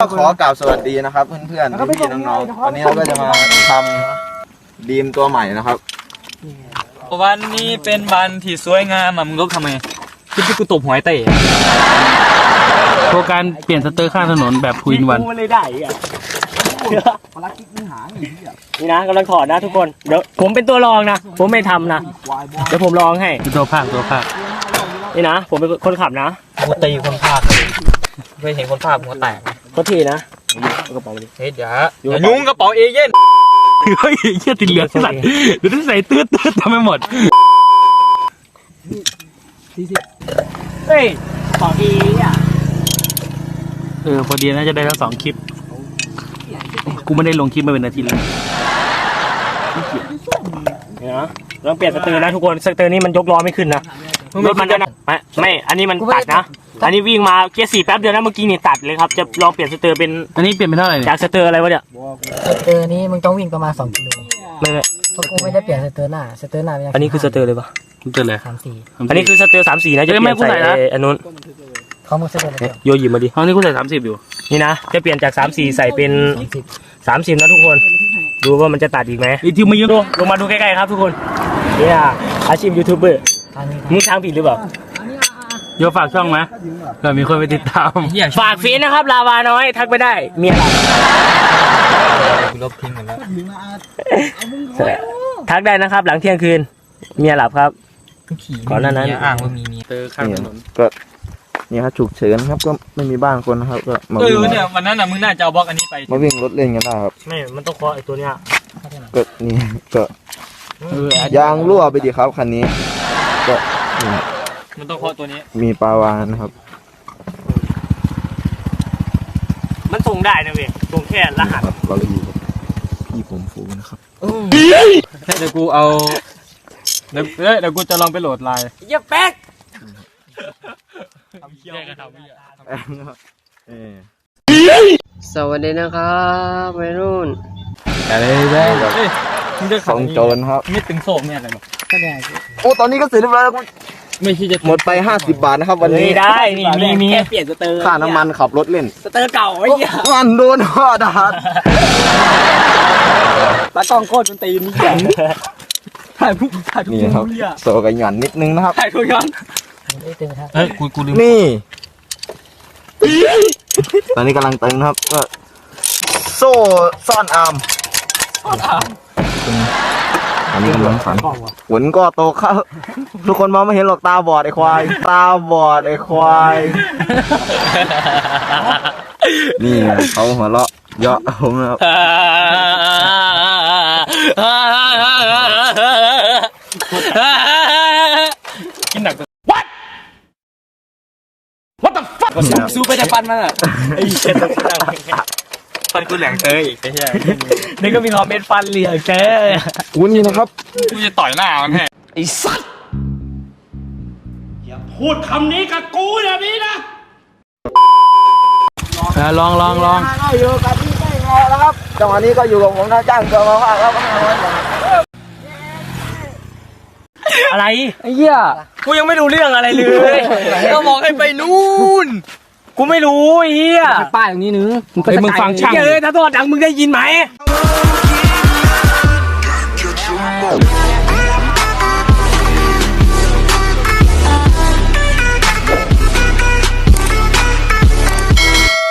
ก็ขอกล่าวสวัสดีนะครับเพื่อนๆพี่ๆน้องๆวันนี้เราก็จะมาทำดีมตัวใหม่นะครับวันนี้เป็นวันที่สวยงามมึงลบทำไมคือที่กูตบหอยเตะโครงการเปลี่ยนสเตอร์ข้างถนนแบบ2 in 1 มันเลยได้อ่ะนี่นะกำลังถอดนะทุกคนเดี๋ยวผมเป็นตัวรองนะผมไม่ทำนะเดี๋ยวผมลองให้ตัวภาคนี่นะผมเป็นคนขับนะกูตีคนภาคเคยเห็นคนภาคหัวแตกก็ทีนะกระเป๋าดิเฮ้ยอย่ายุ่งกระเป๋าเอเย่นเฮ้ยเชี่ยติดเหลืองใส่เดี๋ยวต้องใส่ตืดทำไม่หมดเฮ้ยต่อทีอ่ะพอดีน่าจะได้ทั้ง2 คลิปกูไม่ได้ลงคลิปมาเป็นนาทีเลยเนี่ยนะเราเปลี่ยนสเตอร์นะทุกคนสเตอร์นี้มันยกล้อไม่ขึ้นนะรถมันจะไม่อันนี้มันตัดนะอันนี้วิ่งมาเกียร์ 4แป๊บเดียวนะเมื่อกี้นี่ตัดเลยครับจะลองเปลี่ยนสเตอร์เป็นอันนี้เปลี่ยนเป็นเท่าไหร่จากสเตอร์อะไรวะเนี่ยสเตอร์นี้มึงต้องวิ่งประมาณ2 กิโลไม่เพราะกูไม่ได้เปลี่ยนสเตอร์หน้าอันนี้คือสเตอร์เลยปะสเตอร์เลย 34 อันนี้คือสเตอร์34นะจะเปลี่ยนใส่อันนู้นเขามึงสเตอร์เลยโยยิมมาดิห้องนี้กูใส่30อยู่นี่นะจะเปลี่ยนจาก34ใส่เป็น30นะทุกคนดูว่ามันจะตัดอีกไหมอีกทีมาเยอะลงมาดูใกล้ๆครับทุกคนเนี่ยอาชีพยูทูบเบอร์มึงทางผิดหรือเปล่าโยฝากช่องไหมเผื่อมีคนไปติดตามฝากฟีนนะครับลาวาน้อยทักไปได้เมียลบทิ้งกันแล้วทักได้นะครับหลังเที่ยงคืนเมียหลับครับก่อนหน้านั้นอ้างว่ามีเตอร์ข้างถนนก็นี่ครับฉุกเฉินครับก็ไม่มีบ้านคนนะครับก็มาวิ่งเนี่ยวันนั้นน่ะมึงน่าจะเอาบล็อกอันนี้ไปมาวิ่งรถเล่นกันได้ครับไม่มันต้องเคาะไอ้ตัวเนี้ยก็นี่ก็ยางรั่วไปดิครับคันนี้ก็มันต้องเคาะตัวนี้มีปลาวานนะครับมันส่งได้นะเว้ยส่งแค่รหัสเราอยู่กับพี่ผมฟูนะครับเดี๋ยวกูเอาเดี๋ยวกูจะลองไปโหลดไลน์อย่าแป๊กสวัสดีนะครับวัยรุ่นอะไรได้ของโจรครับไม่ตึงโศกเนี่ยอะไรหรอโอ้ตอนนี้ก็เสร็จเรียบร้อยแล้วไม่คิดจะหมดไป50 บาทนะครับวันนี้ได้นี่มีแค่เปลี่ยนสเตอร์ค่าน้ำมันขับรถเล่นสเตอร์เก่าไอ้เหี้ยมันโดนห่อดาดตากล้องโคตรมันตีนี่แข็งถ่ายทุกนี่ครับโซกันหย่อนนิดนึงนะครับถ่ายทุกย้อนกูลืมนี่ตอนนี้กำลังตึงครับก็โซ่ซ่อนอาร์มอันนี้กำลังฝันฝนก็ตกครับทุกคนมองไม่เห็นหรอกตาบอดไอ้ควายตาบอดไอ้ควายนี่เขาหัวเราะเยาะผมนะครับกินหนักสู้ไปแต่ฟันมันอ่ะไอ้เช็ดฟันกูแหลงเตยอีกไอ้เหี้ยนี่ก็มีคอมเมนต์ฟันเหลี่ยมเจ๊วุ้นนี่นะครับกูจะต่อยหน้ามันให้ไอ้สัสอย่าพูดคำนี้กับกูอย่างนี้นะลองก็อยู่กับพี่ไม่งอแล้วครับจังหวะนี้ก็อยู่กับผมนะจ้างตัวมาว่าครับอะไรไอ้เหี้ยกูยังไม่รู้เรื่องอะไรเลยก็บอกให้ไปนู่นกูไม่รู้ไอ้เหี้ยป้ายอย่างนี้นึงมึงฟังช่างเลยถ้าโทษดังมึงได้ยินไหม